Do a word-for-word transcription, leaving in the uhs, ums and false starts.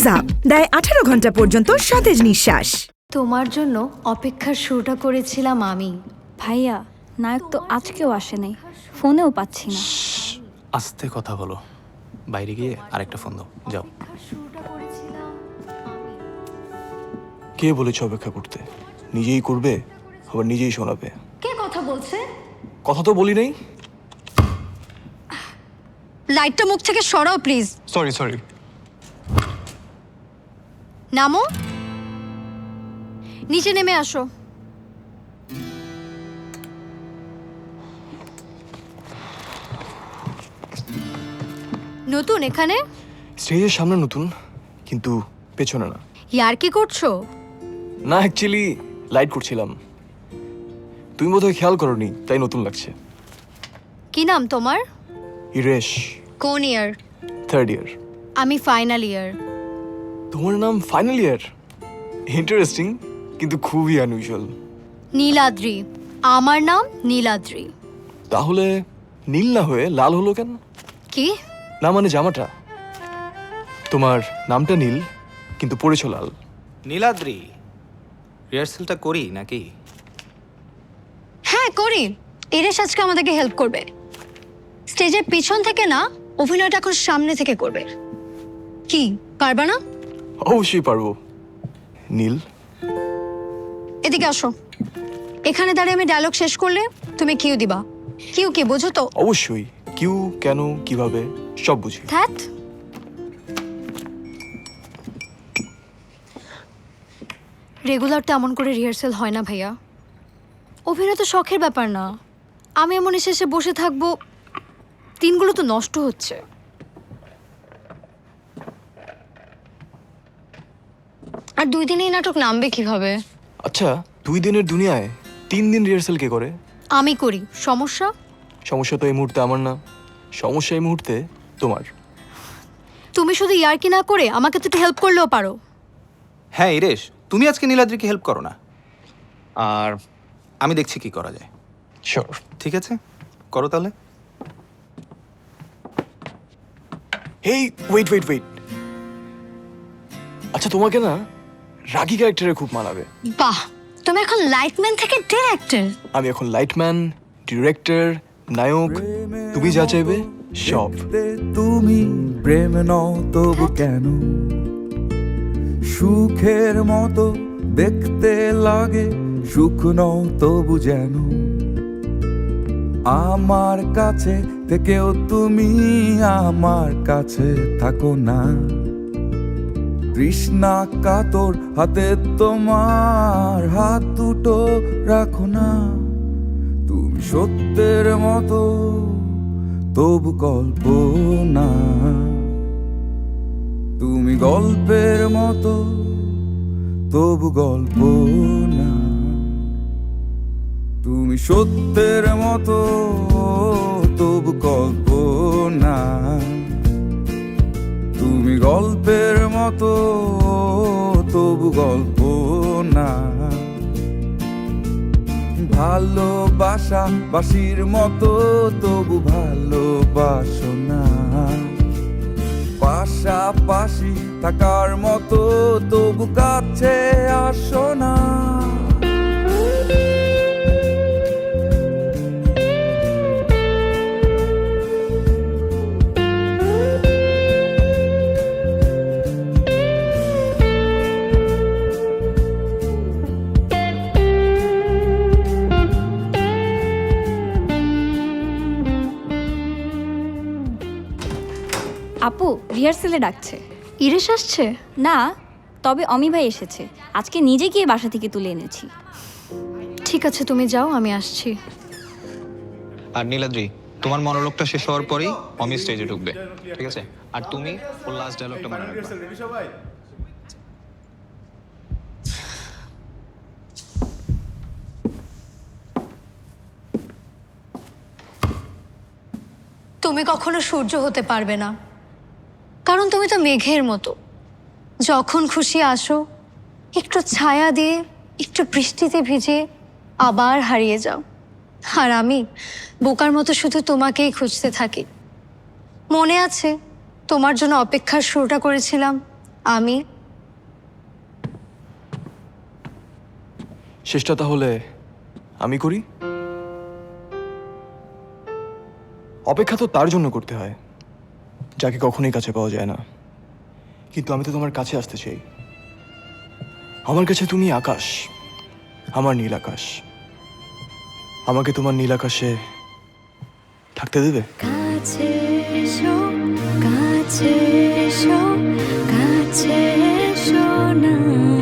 Close up দেয় আঠারো ঘন্টা পর্যন্ত সতেজ নিঃশ্বাস। তোমার জন্য অপেক্ষার শুরুটা করেছিলাম আমি। ভাইয়া, নায়ক তো আজকেও আসে নাই, ফোনেও পাচ্ছি না। আস্তে কথা বলো, বাইরে গিয়ে আরেকটা ফোন দাও, যাও। শুরুটা করেছিলাম আমি। কে বলেছে অপেক্ষা করতে? নিজেই করবে, আবার নিজেই শোনাবে। কে কথা বলছে? কথা তো বলি নাই। লাইটটা মুখ থেকে সরাও প্লিজ। Sorry sorry. নামো, নিচে নেমে আসো। নতুন এখানে? স্টেজের সামনে নতুন, কিন্তু পেছনে না। ইয়ার কি করছো? না, অ্যাকচুয়ালি লাইট করছিলাম। তুমি বোধহয় খেয়াল করোনি, তাই নতুন লাগছে। কি নাম তোমার? ইরেশ। কোন ইয়ার? Third year. আমি ফাইনাল ইয়ার। তোমার নাম ফাইনাল ইয়ার? ইন্টারেস্টিং, কিন্তু খুবই আনইউজুয়াল। নীলাদ্রি। আমার নাম নীলাদ্রি। তাহলে নীল না হয়ে লাল হলো কেন? কি? না মানে জামাটা। তোমার নামটা নীল, কিন্তু পড়েছো লাল। নীলাদ্রি, রিহার্সেলটা করি নাকি? হ্যাঁ করি। ইরেশ আজকে আমাদেরকে হেল্প করবে। স্টেজের পিছন থেকে না, অভিনয়টা এখন সামনে থেকে করবে। কি পারবা না? অবশ্যই পারবো। নীল, এদিকে আসো। এখানে দাঁড়িয়ে আমি ডায়লগ শেষ করলে তুমি কিউ দিবা। কিউ কি বোঝো তো? অবশ্যই। কিউ, কেন, কিভাবে, সব বুঝি। ধ্যাত, রেগুলার তো এমন করে রিহার্সেল হয় না ভাইয়া। অভিনয় তো শখের ব্যাপার না। আমি এমন এসে এসে বসে থাকবো, দিনগুলো তো নষ্ট হচ্ছে। আর দুই দিনেই নাটক নামবে কিভাবে? আচ্ছা, দুই দিনের দুনিয়ায় তিন দিন রিহার্সেল কে করে? আমি করি। সমস্যা? সমস্যা তো এই মুহূর্তে আমার না, সমস্যা এই মুহূর্তে তোমার। তুমি শুধু ইয়ার্কি না করে আমাকে তো একটু হেল্প করলেও পারো। হ্যাঁ ইরেশ, তুমি আজকে নীলাদ্রিকে হেল্প করো না, আর আমি দেখছি কি করা যায়। শিওর। ঠিক আছে, করো তাহলে। Hey, wait wait wait. আচ্ছা, তোমাকে না রাগী ক্যারেক্টারে খুব মানাবে। বাহ, তুমি এখন লাইটম্যান থেকে ডিরেক্টর। আমি এখন লাইটম্যান, ডিরেক্টর, নায়ক, তুমি যা চাইবে সব। তুমি প্রেম নও তবু কেন সুখের মতো দেখতে লাগে, সুখ নও তবু যেন আমার কাছে থেকেও তুমি আমার কাছে থাকো না। তৃষ্ণা কাতর হাতে তোমার হাত দুটো রাখো না। তুমি সত্যের মতো তবু কল্পনা, তুমি গল্পের মতো তবু গল্প না। তুমি সত্যের মতো তবু কল্পনা, তুমি গল্পের মতো তবু গল্প না। ভালোবাসা বাসির মতো তবু ভালোবাসো না। পাশাপাশি থাকার মতো তবু কাছে আসো না। আপু, রিহার্সেলে ডাকছে। ইরেশ আসছে? না, তবে অমি ভাই এসেছে। আজকে নিজে গিয়ে বাসা থেকে তুলে এনেছি। ঠিক আছে, তুমি যাও, আমি আসছি। আর নীলাদ্রি, তোমার মনোলোগটা শেষ হওয়ার পরেই অমি স্টেজে ঢুকবে, ঠিক আছে? আর তুমি ওর লাস্ট ডায়লগটা মনে রাখবে। তুমি কখনো সূর্য হতে পারবে না, কারণ তুমি তো মেঘের মতো। যখন খুশি আসো, একটু ছায়া দিয়ে, একটু বৃষ্টিতে ভিজে আবার হারিয়ে যাও। আর আমি বোকার মতো শুধু তোমাকেই খুঁজতে থাকি। মনে আছে তোমার জন্য অপেক্ষার শুরুটা করেছিলাম আমি শেষটা তাহলে আমি করি। অপেক্ষা তো তার জন্য করতে হয় যাকে কখনোই কাছে পাওয়া যায় না, কিন্তু আমি তো তোমার কাছে আসতে চাই। আমার কাছে তুমি আকাশ, আমার নীল আকাশ। আমাকে তোমার নীল আকাশে থাকতে দেবে? কাছে এসো, কাছে এসো, কাছে এসো না।